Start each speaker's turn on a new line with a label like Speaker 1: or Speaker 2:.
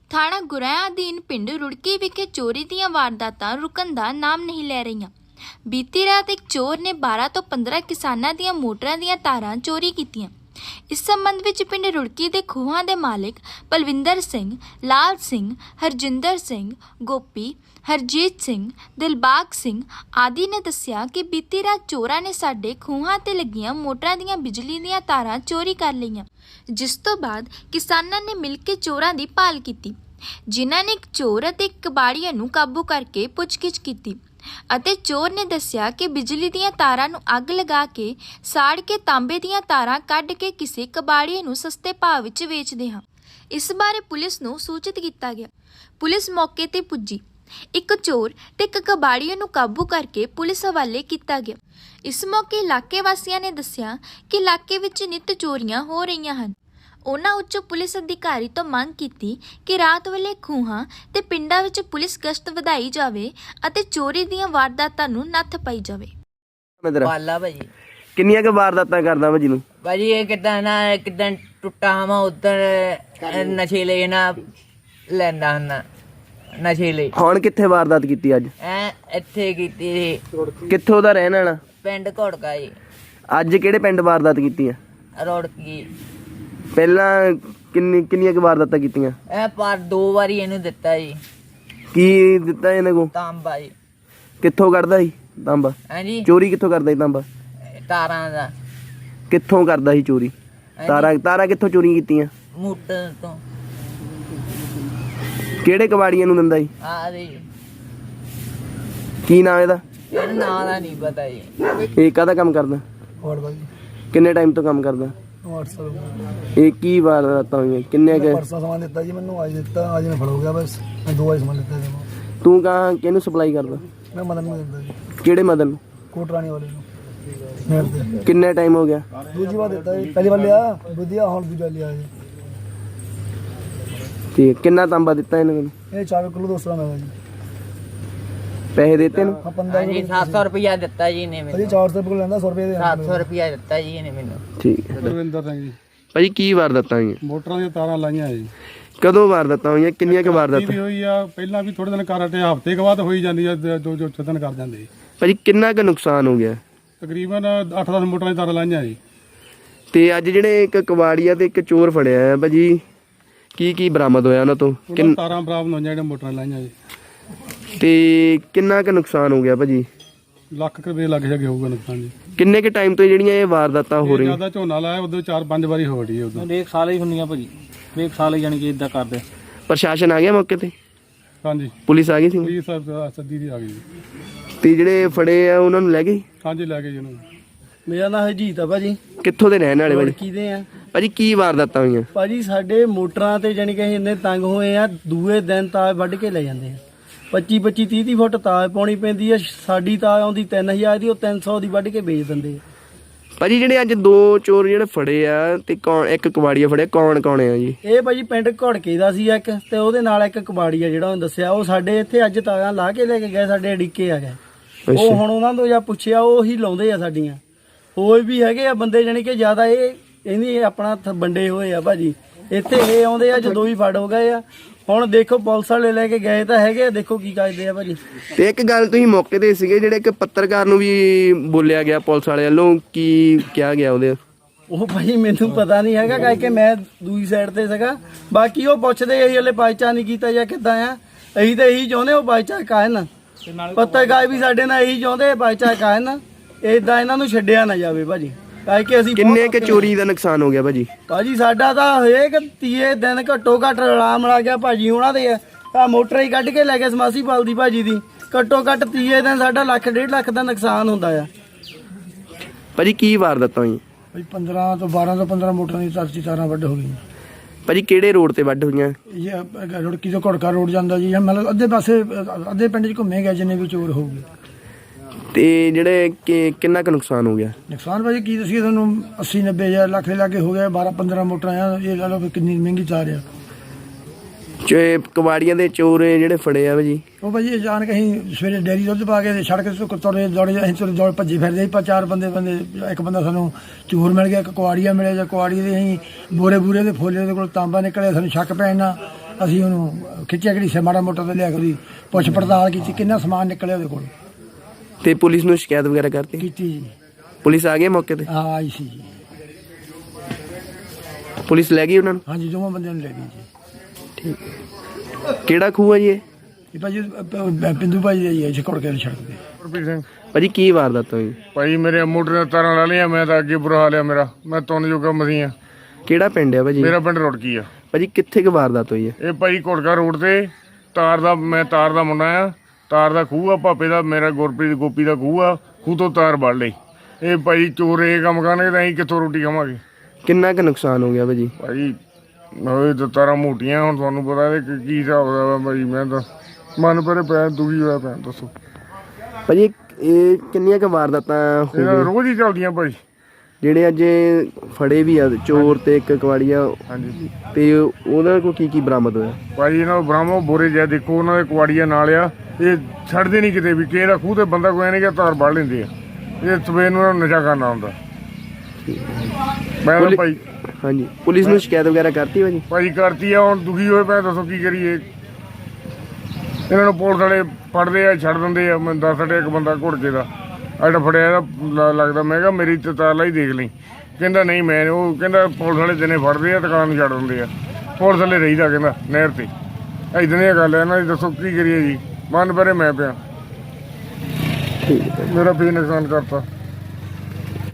Speaker 1: ਥਾਣਾ ਗੁਰੇਆਂ ਅਧੀਨ ਪਿੰਡ ਰੁੜਕੀ ਵਿਖੇ ਚੋਰੀ ਦੀਆਂ ਵਾਰਦਾਤਾਂ ਰੁਕਣ ਦਾ ਨਾਮ ਨਹੀਂ ਲੈ ਰਹੀਆਂ। ਬੀਤੀ ਰਾਤ ਇੱਕ ਚੋਰ ਨੇ 12 ਤੋਂ 15 ਕਿਸਾਨਾਂ ਦੀਆਂ ਮੋਟਰਾਂ ਦੀਆਂ ਤਾਰਾਂ ਚੋਰੀ ਕੀਤੀਆਂ। ਇਸ ਸੰਬੰਧ ਵਿੱਚ ਪਿੰਡ ਰੁੜਕੀ ਦੇ ਖੂਹਾਂ ਦੇ ਮਾਲਕ ਬਲਵਿੰਦਰ ਸਿੰਘ, ਲਾਲ ਸਿੰਘ, ਹਰਜਿੰਦਰ ਸਿੰਘ, ਗੋਪੀ, ਹਰਜੀਤ ਸਿੰਘ, ਦਿਲਬਾਗ ਸਿੰਘ ਆਦਿ ਨੇ ਦੱਸਿਆ ਕਿ ਬੀਤੀ ਰਾਤ ਚੋਰਾਂ ਨੇ ਸਾਡੇ ਖੂਹਾਂ ਤੇ ਲੱਗੀਆਂ ਮੋਟਰਾਂ ਦੀਆਂ ਬਿਜਲੀ ਦੀਆਂ ਤਾਰਾਂ ਚੋਰੀ ਕਰ ਲਈਆਂ, ਜਿਸ ਤੋਂ ਬਾਅਦ ਕਿਸਾਨਾਂ ਨੇ ਮਿਲ ਕੇ ਚੋਰਾਂ ਦੀ ਭਾਲ ਕੀਤੀ, ਜਿਨ੍ਹਾਂ ਨੇ ਇੱਕ ਚੋਰ ਅਤੇ ਇੱਕ ਕਬਾੜੀਆ ਨੂੰ ਕਾਬੂ ਕਰਕੇ ਪੁੱਛਗਿੱਛ ਕੀਤੀ ਅਤੇ ਚੋਰ ਨੇ ਦੱਸਿਆ ਕਿ ਬਿਜਲੀ ਦੀਆਂ ਤਾਰਾਂ ਨੂੰ ਅੱਗ ਲਗਾ ਕੇ ਸਾੜ ਕੇ ਤਾਂਬੇ ਦੀਆਂ ਤਾਰਾਂ ਕੱਢ ਕੇ ਕਿਸੇ ਕਬਾੜੀਏ ਨੂੰ ਸਸਤੇ ਭਾਅ ਵਿੱਚ ਵੇਚਦੇ ਹਾਂ। ਇਸ ਬਾਰੇ ਪੁਲਿਸ ਨੂੰ ਸੂਚਿਤ ਕੀਤਾ ਗਿਆ। ਪੁਲਿਸ ਮੌਕੇ ਤੇ ਪੁੱਜੀ, ਇੱਕ ਚੋਰ ਤੇ ਇੱਕ ਕਬਾੜੀਏ ਨੂੰ ਕਾਬੂ ਕਰਕੇ ਪੁਲਿਸ ਹਵਾਲੇ ਕੀਤਾ ਗਿਆ। ਇਸ ਮੌਕੇ ਇਲਾਕੇ ਵਾਸੀਆਂ ਨੇ ਦੱਸਿਆ ਕਿ ਇਲਾਕੇ ਵਿੱਚ ਨਿੱਤ ਚੋਰੀਆਂ ਹੋ ਰਹੀਆਂ ਹਨ। ਉਹਨਾਂ ਉੱਚ ਪੁਲਿਸ ਅਧਿਕਾਰੀ ਤੋਂ ਮੰਗ ਕੀਤੀ ਕਿ ਰਾਤ ਵੇਲੇ ਖੂਹਾਂ ਤੇ ਪਿੰਡਾਂ ਵਿੱਚ ਪੁਲਿਸ ਗਸ਼ਤ ਵਧਾਈ ਜਾਵੇ ਅਤੇ ਚੋਰੀ ਦੀਆਂ ਵਾਰਦਾਤਾਂ ਨੂੰ ਨੱਥ ਪਾਈ ਜਾਵੇ।
Speaker 2: ਪਾਲਾ ਭਾਜੀ
Speaker 3: ਕਿੰਨੀਆਂ ਕੁ ਵਾਰਦਾਤਾਂ ਕਰਦਾ ਭਾਜੀ ਨੂੰ?
Speaker 2: ਭਾਜੀ ਇਹ ਕਿਦਾਂ ਟੁੱਟਾ ਹਮਾ ਉਧਰ ਨਸ਼ੀਲੇ ਨਾ ਲੈਂਦਾ ਹੁੰਦਾ ਨਸ਼ੀਲੇ।
Speaker 3: ਹੁਣ ਕਿੱਥੇ ਵਾਰਦਾਤ ਕੀਤੀ ਅੱਜ?
Speaker 2: ਇੱਥੇ ਕੀਤੀ ਸੀ
Speaker 3: ਕਿੱਥੋਂ ਦਾ ਰਹਿਣ ਵਾਲਾ?
Speaker 2: ਪਿੰਡ ਘੋੜਕਾ ਜੀ।
Speaker 3: ਅੱਜ ਕਿਹੜੇ ਪਿੰਡ ਵਾਰਦਾਤ ਕੀਤੀ ਆ?
Speaker 2: ਰੋੜਕੀ।
Speaker 3: ਪਹਿਲਾਂ ਕਿੰਨੀਆਂ ਕੁ ਵਾਰਦਾਤਾਂ ਕੀਤੀਆਂ?
Speaker 2: ਇਹ ਪਰ 2 ਵਾਰੀ ਇਹਨੂੰ ਦਿੱਤਾ ਜੀ।
Speaker 3: ਕੀ ਦਿੱਤਾ ਇਹਨੇ ਕੋ?
Speaker 2: ਤਾਂਬਾ ਜੀ।
Speaker 3: ਕਿੱਥੋਂ ਕੱਢਦਾ ਸੀ ਤਾਂਬਾ?
Speaker 2: ਹਾਂਜੀ
Speaker 3: ਚੋਰੀ ਕਿੱਥੋਂ ਕਰਦਾ ਸੀ ਤਾਂਬਾ?
Speaker 2: ਤਾਰਾਂ ਦਾ।
Speaker 3: ਕਿੱਥੋਂ ਕਰਦਾ ਸੀ ਚੋਰੀ? ਤਾਰਾਂ ਕਿੱਥੋਂ ਚੋਰੀ ਕੀਤੀਆਂ?
Speaker 2: ਮੋਟਰ ਤੋਂ।
Speaker 3: ਕਿਹੜੇ ਕਬਾੜੀਆਂ ਨੂੰ ਦਿੰਦਾ ਸੀ?
Speaker 2: ਆ ਜੀ
Speaker 3: ਕੀ ਨਾਮ ਇਹਦਾ?
Speaker 2: ਇਹਦਾ ਨਾਂ ਦਾ ਨਹੀਂ ਪਤਾ ਜੀ।
Speaker 3: ਇਹ ਕਾਹਦਾ ਕੰਮ ਕਰਦਾ? ਕਿੰਨੇ ਟਾਈਮ ਤੋਂ ਕੰਮ ਕਰਦਾ? ਇਹ ਕੀ ਵਾਰਦਾਤਾਂ ਹੋਈਆਂ? ਕਿੰਨੇ ਕੁ
Speaker 4: ਪਰਸੋਂ ਸਮਾਨ ਦਿੱਤਾ ਜੀ ਮੈਨੂੰ, ਅੱਜ ਦਿੱਤਾ, ਅੱਜ ਮੈਂ ਫੜ ਹੋ ਗਿਆ। ਬਸ ਮੈਂ 2 ਵਾਰੀ ਸਮਾਨ ਦਿੱਤਾ ਜੀ।
Speaker 3: ਤੂੰ ਕਿਹਨੂੰ ਸਪਲਾਈ ਕਰਦਾ?
Speaker 4: ਮੈਂ ਮਦਨ ਨੂੰ ਦਿੰਦਾ ਜੀ,
Speaker 3: ਕਿਹੜੇ ਮਦਨ ਨੂੰ?
Speaker 4: ਕੋਟਰਾਣੀ ਵਾਲੇ ਨੂੰ। ਮੇਰੇ ਤੇ
Speaker 3: ਕਿੰਨੇ ਟਾਈਮ ਹੋ ਗਿਆ?
Speaker 4: ਦੂਜੀ ਵਾਰ ਦਿੱਤਾ ਜੀ, ਪਹਿਲੀ ਵਾਰ ਲਿਆ ਵਧੀਆ, ਹੁਣ ਦੂਜਾ ਲਿਆ ਜੀ।
Speaker 3: ਠੀਕ। ਕਿੰਨਾ ਤਾਂਬਾ ਦਿੱਤਾ ਇਹਨੇ ਮੈਨੂੰ?
Speaker 4: ਇਹ 4 ਕਿਲੋ 200 ਗ੍ਰਾਮ ਹੈਗਾ ਜੀ।
Speaker 3: ਪੈਸੇ ਦਿੱਤੇ ਨੂੰ?
Speaker 4: ਹਾਂ 15
Speaker 2: ਹਾਂਜੀ 700 ਰੁਪਇਆ ਦਿੱਤਾ ਜੀ ਇਹਨੇ
Speaker 4: ਅਜੀ
Speaker 2: ਮੈਨੂੰ।
Speaker 4: 400 ਰੁਪਏ ਲੈਂਦਾ, 100 ਰੁਪਏ ਦੇ
Speaker 2: 700 ਰੁਪਇਆ ਦਿੱਤਾ ਜੀ ਇਹਨੇ ਮੈਨੂੰ।
Speaker 3: ਠੀਕ ਹੈ
Speaker 5: ਰਵਿੰਦਰ ਸਿੰਘ ਜੀ।
Speaker 3: ਭਾਜੀ ਕੀ ਵਾਰਦਾਤਾਂ ਹੋਈਆਂ?
Speaker 5: ਮੋਟਰਾਂ ਦੀਆਂ ਤਾਰਾਂ ਲਾਈਆਂ ਜੀ।
Speaker 3: ਕਦੋਂ ਵਾਰਦਾਤਾਂ ਹੋਈਆਂ? ਕਿੰਨੀਆਂ ਕੁ
Speaker 5: ਵੀ
Speaker 3: ਵਾਰਦਾਤਾਂ?
Speaker 5: ਹੋਈ ਆ ਪਹਿਲਾਂ ਵੀ ਥੋੜੇ ਦਿਨ ਕਰ ਹਟੇ, ਹਫ਼ਤੇ ਕੁ ਬਾਅਦ ਹੋਈ ਜਾਂਦੀ ਆ, 2-4 ਦਿਨ ਕਰ ਜਾਂਦੇ ਜੀ।
Speaker 3: ਭਾਜੀ ਕਿੰਨਾ ਕੁ ਨੁਕਸਾਨ ਹੋ ਗਿਆ?
Speaker 5: ਤਕਰੀਬਨ 8-10 ਮੋਟਰਾਂ ਦੀਆਂ ਤਾਰਾਂ ਲਾਈਆਂ ਜੀ।
Speaker 3: ਤੇ ਅੱਜ ਜਿਹੜੇ ਇੱਕ ਕਬਾੜੀਆ ਤੇ ਇੱਕ ਚੋਰ ਫੜਿਆ ਹੈ ਭਾਜੀ, ਕੀ ਬਰਾਮਦ ਹੋਇਆ ਉਹਨਾਂ ਤੋਂ?
Speaker 5: ਉਹਨਾਂ ਤਾਰਾਂ ਬਰਾਮਦ ਹੋਈਆਂ ਜਿਹੜੀਆਂ ਮੋਟਰਾਂ ਲਾਈਆਂ ਜੀ।
Speaker 3: ਤੇ ਕਿੰਨਾ ਕੁ ਨੁਕਸਾਨ ਹੋ ਗਿਆ ਭਾਜੀ?
Speaker 5: ਲੱਖ ਕੁ ਰੁਪਏ ਲੱਗ ਜਾਗੇ ਹੋਊਗਾ ਨੁਕਸਾਨ ਜੀ।
Speaker 3: ਕਿੰਨੇ ਕੁ ਟਾਈਮ ਤੋਂ ਜਿਹੜੀਆਂ ਇਹ ਵਾਰਦਾਤਾਂ ਹੋ ਰਹੀਆਂ?
Speaker 5: ਜਿਆਦਾ ਝੋਨਾ ਲਾਇਆ ਉਦੋਂ 4-5 ਵਾਰੀ ਹੋ ਰਹੀ ਹੈ। ਉਦੋਂ
Speaker 6: ਹਰੇਕ ਸਾਲ ਹੀ ਹੁੰਦੀਆਂ ਭਾਜੀ, ਹਰੇਕ ਸਾਲ ਹੀ ਜਾਣੀ ਕਿ ਇਦਾਂ ਕਰਦੇ।
Speaker 3: ਪ੍ਰਸ਼ਾਸਨ ਆ ਗਿਆ ਮੌਕੇ ਤੇ?
Speaker 5: ਹਾਂਜੀ
Speaker 3: ਪੁਲਿਸ ਆ ਗਈ ਸੀ?
Speaker 5: ਪੁਲਿਸ ਸੱਦੀ ਦੀ ਆ ਗਈ ਜੀ।
Speaker 3: ਤੇ ਜਿਹੜੇ ਫੜੇ ਆ ਉਹਨਾਂ ਨੂੰ ਲੈ ਗਏ?
Speaker 5: ਹਾਂਜੀ ਲੈ ਗਏ ਜੀ ਉਹਨੂੰ।
Speaker 4: ਮੇਰਾ ਨਾਮ ਹਰਜੀਤ ਆ ਭਾਜੀ।
Speaker 3: ਕਿੱਥੋਂ ਦੇ ਰਹਿਣ ਵਾਲੇ ਭਾਜੀ?
Speaker 4: ਕਿਹਦੇ ਆ
Speaker 3: ਭਾਜੀ ਕੀ ਵਾਰਦਾਤਾਂ ਹੋਈਆਂ?
Speaker 4: ਭਾਜੀ ਸਾਡੇ ਮੋਟਰਾਂ ਤੇ ਜਾਣੀ ਕਿ ਇੰਨੇ ਤੰਗ ਹੋਏ ਆ, ਦੂਏ ਦਿਨ ਤਾਰ ਵੱਢ ਕੇ ਲੈ ਜਾਂਦੇ ਆ। 25-25 30 ਫੁੱਟ ਤਾਰ ਪਾਉਣੀ ਪੈਂਦੀ ਆ। ਸਾਡੀ ਤਾਰ ਆਉਂਦੀ 3000 ਦੀ, ਉਹ 300 ਦੀ ਵੱਢ ਕੇ ਵੇਚ ਦਿੰਦੇ ਆ।
Speaker 3: ਭਾਜੀ ਜਿਹੜੇ ਅੱਜ 2 ਚੋਰ ਜਿਹੜੇ ਫੜੇ ਆ ਤੇ ਇੱਕ ਕਬਾੜੀਆ ਫੜਿਆ, ਕੌਣ ਆ ਜੀ?
Speaker 4: ਇਹ ਭਾਜੀ ਪਿੰਡ ਘੋੜਕੇ ਦਾ ਸੀ ਇੱਕ, ਤੇ ਉਹਦੇ ਨਾਲ ਇੱਕ ਕਬਾੜੀਆ ਜਿਹੜਾ ਉਹਨੇ ਦੱਸਿਆ। ਉਹ ਸਾਡੇ ਇੱਥੇ ਅੱਜ ਤਾਰਾਂ ਲਾ ਕੇ ਲੈ ਕੇ ਗਏ, ਸਾਡੇ ਅੜਿੱਕੇ ਆ ਗਏ। ਉਹ ਹੁਣ ਉਹਨਾਂ ਤੋਂ ਜਾਂ ਪੁੱਛਿਆ, ਉਹ ਹੀ ਲਾਉਂਦੇ ਆ ਸਾਡੀਆਂ। ਹੋਰ ਵੀ ਹੈਗੇ ਆ ਬੰਦੇ ਜਾਣੀ ਕਿ ਜ਼ਿਆਦਾ ਇਹਨੀ ਆਪਣਾ ਵੰਡੇ ਹੋਏ ਆ ਭਾਜੀ। ਇੱਥੇ ਇਹ ਆਉਂਦੇ ਆ, ਜਦੋਂ ਵੀ ਫੜ ਹੋ ਗਏ ਆ। ਹੁਣ ਦੇਖੋ ਪੁਲਿਸ ਵਾਲੇ ਲੈ ਕੇ ਗਏ ਤਾਂ ਹੈਗੇ, ਦੇਖੋ ਕੀ ਕਰਦੇ ਆ ਭਾਜੀ।
Speaker 3: ਤੇ ਇੱਕ ਗੱਲ ਤੁਸੀਂ ਮੌਕੇ ਤੇ ਸੀਗੇ, ਜਿਹੜੇ ਇੱਕ ਪੱਤਰਕਾਰ ਨੂੰ ਵੀ ਬੋਲਿਆ ਗਿਆ ਪੁਲਿਸ ਵਾਲਿਆਂ ਵੱਲੋਂ, ਕੀ ਕਿਹਾ ਗਿਆ ਉਹਦੇ?
Speaker 4: ਉਹ ਭਾਈ ਮੈਨੂੰ ਪਤਾ ਨਹੀਂ ਹੈਗਾ, ਕਰਕੇ ਮੈਂ ਦੂਜੀ ਸਾਈਡ ਤੇ ਸੀਗਾ। ਬਾਕੀ ਉਹ ਪੁੱਛਦੇ ਅਸੀਂ ਹਲੇ ਬਾਈਚਾ ਨਹੀਂ ਕੀਤਾ ਜਾਂ ਕਿੱਦਾਂ ਆ। ਅਸੀਂ ਤਾਂ ਇਹੀ ਚਾਹੁੰਦੇ ਉਹ ਬਾਈਚਾ ਕਾਇਨ, ਪੱਤਰਕਾਰ ਵੀ ਸਾਡੇ ਨਾਲ ਇਹੀ ਚਾਹੁੰਦੇ ਬਾਈਚਾ ਕਾਇਨ, ਏਦਾਂ ਇਹਨਾਂ ਨੂੰ ਛੱਡਿਆ ਨਾ ਜਾਵੇ ਭਾਜੀ। ਕਰਕੇ ਅਸੀਂ
Speaker 3: ਕਿੰਨੇ ਕੁ ਚੋਰੀ ਦਾ ਨੁਕਸਾਨ ਹੋ ਗਿਆ ਭਾਜੀ?
Speaker 4: ਸਾਡਾ ਤਾਂ ਹਰੇਕ 30 ਦਿਨ ਘੱਟੋ ਘੱਟ ਆਰਾਮ ਲਾ ਗਿਆ ਭਾਜੀ। ਉਹਨਾਂ ਦੇ ਆ ਮੋਟਰ ਹੀ ਕੱਢ ਕੇ ਲੈ ਗਏ ਸਮਾਸੀ ਪਾਲ ਦੀ ਭਾਜੀ ਦੀ। ਘੱਟੋ ਘੱਟ 30 ਦਿਨ ਸਾਡਾ 1.5 ਲੱਖ ਦਾ ਨੁਕਸਾਨ ਹੁੰਦਾ ਆ
Speaker 3: ਭਾਜੀ। ਕੀ ਵਾਰਦਾਤਾਂ ਹੋਈਆਂ?
Speaker 4: 12 ਤੋਂ 15 ਮੋਟਰਾਂ ਦੀ ਤਾਰਾਂ ਵੱਢ ਹੋ ਗਈਆਂ
Speaker 3: ਭਾਜੀ। ਕਿਹੜੇ ਰੋਡ ਤੇ ਵੱਢ ਹੋਈਆਂ?
Speaker 4: ਇਹ ਰੁੜਕੀ ਤੋਂ ਘੋੜਕਾ ਰੋਡ ਜਾਂਦਾ ਜੀ। ਮਤਲਬ ਅੱਧੇ ਪਾਸੇ ਅੱਧੇ ਪਿੰਡ 'ਚ ਘੁੰਮੇ ਗਏ ਜਿੰਨੇ ਵੀ ਚੋਰ ਹੋਊਗੇ।
Speaker 3: ਤੇ ਜਿਹੜੇ ਕਿੰਨਾ ਕੁ ਨੁਕਸਾਨ ਹੋ ਗਿਆ?
Speaker 4: ਨੁਕਸਾਨ ਭਾਜੀ ਕੀ ਦੱਸੀਏ ਤੁਹਾਨੂੰ, 80-90 ਹਜ਼ਾਰ ਲੱਖ ਦੇ ਲਾਗੇ ਹੋ ਗਿਆ। 12-15 ਮੋਟਰਾਂ ਆ, ਇਹ ਲਾ ਲਓ ਵੀ ਕਿੰਨੀ ਮਹਿੰਗੀ ਤਾਰ ਆ।
Speaker 3: ਕਬਾੜੀਆਂ ਦੇ ਚੋਰ ਜਿਹੜੇ ਫੜੇ ਆ ਭਾਜੀ,
Speaker 4: ਉਹ ਭਾਜੀ ਅਚਾਨਕ ਅਸੀਂ ਸਵੇਰੇ ਡੇਅਰੀ ਦੁੱਧ ਪਾ ਕੇ ਸੜਕ ਤੋਂ ਤੁਰੇ ਦੌੜੇ, ਅਸੀਂ ਦੌੜ ਭੱਜੇ ਫਿਰਦੇ ਸੀ। 4 ਬੰਦੇ ਇੱਕ ਬੰਦਾ ਸਾਨੂੰ ਚੋਰ ਮਿਲ ਗਿਆ, ਇੱਕ ਕੁਆੜੀਆ ਮਿਲਿਆ। ਜਾਂ ਕੁਆੜੀਏ ਦੇ ਅਸੀਂ ਬੋਰੇ ਦੇ ਫੋਲੇ ਦੇ ਕੋਲ ਤਾਂਬਾ ਨਿਕਲਿਆ, ਸਾਨੂੰ ਸ਼ੱਕ ਪੈਣ ਨਾਲ
Speaker 7: ਅਸੀਂ ਉਹਨੂੰ ਖਿੱਚਿਆ ਘੜੀਸਿਆ ਮਾੜਾ ਮੋਟਾ ਤੇ ਲਿਆ ਕੇ ਉਹਦੀ ਪੁੱਛ ਪੜਤਾਲ ਕੀਤੀ, ਕਿੰਨਾ ਸਮਾਨ ਨਿਕਲਿਆ ਉਹਦੇ ਕੋਲ
Speaker 3: ਤੇ ਪੁਲਿਸ ਨੂੰ ਸ਼ਿਕਾਇਤ ਵਗੈਰਾ ਕਰਤੀ?
Speaker 7: ਕੀਤੀ ਜੀ।
Speaker 3: ਪੁਲਿਸ ਆ ਗਈ ਮੌਕੇ ਤੇ?
Speaker 7: ਹਾਂ ਆਈ ਸੀ ਜੀ।
Speaker 3: ਪੁਲਿਸ ਲੈ ਗਈ ਉਹਨਾਂ ਨੂੰ?
Speaker 7: ਹਾਂਜੀ ਦੋਵਾਂ ਬੰਦਿਆਂ ਨੂੰ ਲੈ ਗਈ ਜੀ।
Speaker 3: ਕਿਹੜਾ ਖੂਹ ਹੈ ਜੀ ਇਹ?
Speaker 7: ਇਹ ਭਾਜੀ ਪਿੰਦੂ ਭਾਈ ਦਾ ਹੀ ਹੈ ਛਕੜ ਕੇ ਸੜਕ ਤੇ।
Speaker 5: ਗੁਰਪ੍ਰੀਤ ਸਿੰਘ
Speaker 3: ਭਾਜੀ ਕੀ ਵਾਰਦਾਤ ਹੋਈ?
Speaker 5: ਭਾਈ ਮੇਰੇ ਮੋਟਰ ਦੀਆਂ ਤਾਰਾਂ ਲਾ ਲਈਆਂ, ਮੈਂ ਤਾਂ ਅੱਗੇ ਬੁਰਾ ਹਾਲ ਆ ਮੇਰਾ, ਮੈਂ ਤੁੰਨ ਜੋਗਾ ਮਸੀਂ ਆ।
Speaker 3: ਕਿਹੜਾ ਪਿੰਡ ਹੈ ਭਾਜੀ?
Speaker 5: ਮੇਰਾ ਪਿੰਡ ਰੁੜਕੀ ਆ।
Speaker 3: ਭਾਜੀ ਕਿੱਥੇ ਕੁ ਵਾਰਦਾਤ ਹੋਈ ਹੈ?
Speaker 5: ਇਹ ਭਾਈ ਘੋੜਕਾ ਰੋਡ ਤੇ ਮੈਂ ਤਾਰ ਦਾ ਮੁੰਡਾ ਆ, ਤਾਰ ਦਾ ਖੂਹ ਆ ਭਾਪੇ ਦਾ, ਮੇਰਾ ਗੁਰਪ੍ਰੀਤ ਗੋਪੀ ਦਾ ਖੂਹ ਆ, ਖੂਹ ਤੋਂ ਤਾਰ ਵੱਢ ਲਈ। ਇਹ ਭਾਈ ਚੋਰ ਇਹ ਕੰਮ ਕਰਨਗੇ ਤਾਂ ਅਸੀਂ ਕਿੱਥੋਂ ਰੋਟੀ ਖਾਵਾਂਗੇ?
Speaker 3: ਕਿੰਨਾ ਕੁ ਨੁਕਸਾਨ ਹੋ ਗਿਆ ਭਾਜੀ?
Speaker 5: ਭਾਈ ਉਹ ਤਾਂ ਤਾਰਾਂ ਮੋਟੀਆਂ, ਹੁਣ ਤੁਹਾਨੂੰ ਪਤਾ ਇਹ ਕੀ ਹਿਸਾਬ ਦਾ ਭਾਈ, ਮੈਂ ਤਾਂ ਮਨ ਪਰੇ ਪੈ ਦੁਖੀ ਹੋਇਆ ਪਿਆ। ਦੱਸੋ
Speaker 3: ਭਾਜੀ ਇਹ ਕਿੰਨੀਆਂ ਕੁ ਵਾਰਦਾਤਾਂ ਹੋ
Speaker 5: ਇਹਨਾਂ
Speaker 3: ਗਈਆਂ
Speaker 5: ਰੋਜ਼ ਹੀ ਚੱਲਦੀਆਂ ਭਾਈ।
Speaker 3: ਜਿਹੜੇ ਅੱਜ ਫੜੇ ਵੀ ਆ ਚੋਰ ਤੇ ਇੱਕ ਕਵਾੜੀਆ,
Speaker 5: ਹਾਂਜੀ
Speaker 3: ਤੇ ਉਹਨਾਂ ਕੋਲ ਕੀ ਕੀ ਬਰਾਮਦ ਹੋਇਆ?
Speaker 5: ਭਾਈ ਇਹਨਾਂ ਨੂੰ ਬ੍ਰਾਹਮੋ ਬੋਰੇ ਜਿਹਾ ਦੇਖੋ, ਉਹਨਾਂ ਦੇ ਕੁਆੜੀਆਂ ਨਾਲ ਆ, ਇਹ ਛੱਡਦੇ ਨਹੀਂ ਕਿਤੇ ਵੀ। ਕਿਸੇ ਦਾ ਖੂਹ ਤੇ ਬੰਦਾ ਕੋਈ ਨਹੀਂ ਕਿ ਤਾਰ ਵੱਢ ਲੈਂਦੇ ਆ, ਇਹ ਸਵੇਰ ਨੂੰ ਇਹਨਾਂ ਨੂੰ ਨਸ਼ਾ ਕਰਨਾ ਹੁੰਦਾ। ਮੈਂ ਤਾਂ ਭਾਈ
Speaker 3: ਹਾਂਜੀ ਪੁਲਿਸ ਨੂੰ ਸ਼ਿਕਾਇਤ ਵਗੈਰਾ ਕਰਤੀ ਭਾਜੀ?
Speaker 5: ਕਰਤੀ ਆ, ਹੁਣ ਦੁਖੀ ਹੋਏ ਪਏ, ਦੱਸੋ ਕੀ ਕਰੀਏ? ਇਹਨਾਂ ਨੂੰ ਪੁਲਿਸ ਵਾਲੇ ਫੜਦੇ ਆ, ਛੱਡ ਦਿੰਦੇ ਆ। ਮੈਨੂੰ ਦੱਸ ਇੱਕ ਬੰਦਾ ਘੁੜਕੇ ਦਾ ਅੱਡ ਫੜਿਆ ਇਹਦਾ ਲੱਗਦਾ, ਮੈਂ ਕਿਹਾ ਮੇਰੀ ਤਾਲਾ ਹੀ ਦੇਖ ਲਈ, ਕਹਿੰਦਾ ਨਹੀਂ ਮੈਂ, ਉਹ ਕਹਿੰਦਾ ਪੁਲਿਸ ਵਾਲੇ ਦਿਨੇ ਫੜਦੇ ਆ, ਦੁਕਾਨ ਨੂੰ ਛੱਡ ਦਿੰਦੇ ਆ, ਪੁਲਿਸ ਵਾਲੇ ਰਹੀਦਾ ਕਹਿੰਦਾ ਨਹਿਰ ਤੇ। ਇੱਦਾਂ ਦੀਆਂ ਗੱਲ ਹੈ ਇਹਨਾਂ ਦੀ, ਦੱਸੋ ਕੀ ਕਰੀਏ ਜੀ? ਮਨ ਪਰੇ ਮੈਂ ਪਿਆ, ਮੇਰਾ ਵੀ ਨੁਕਸਾਨ ਕਰਤਾ।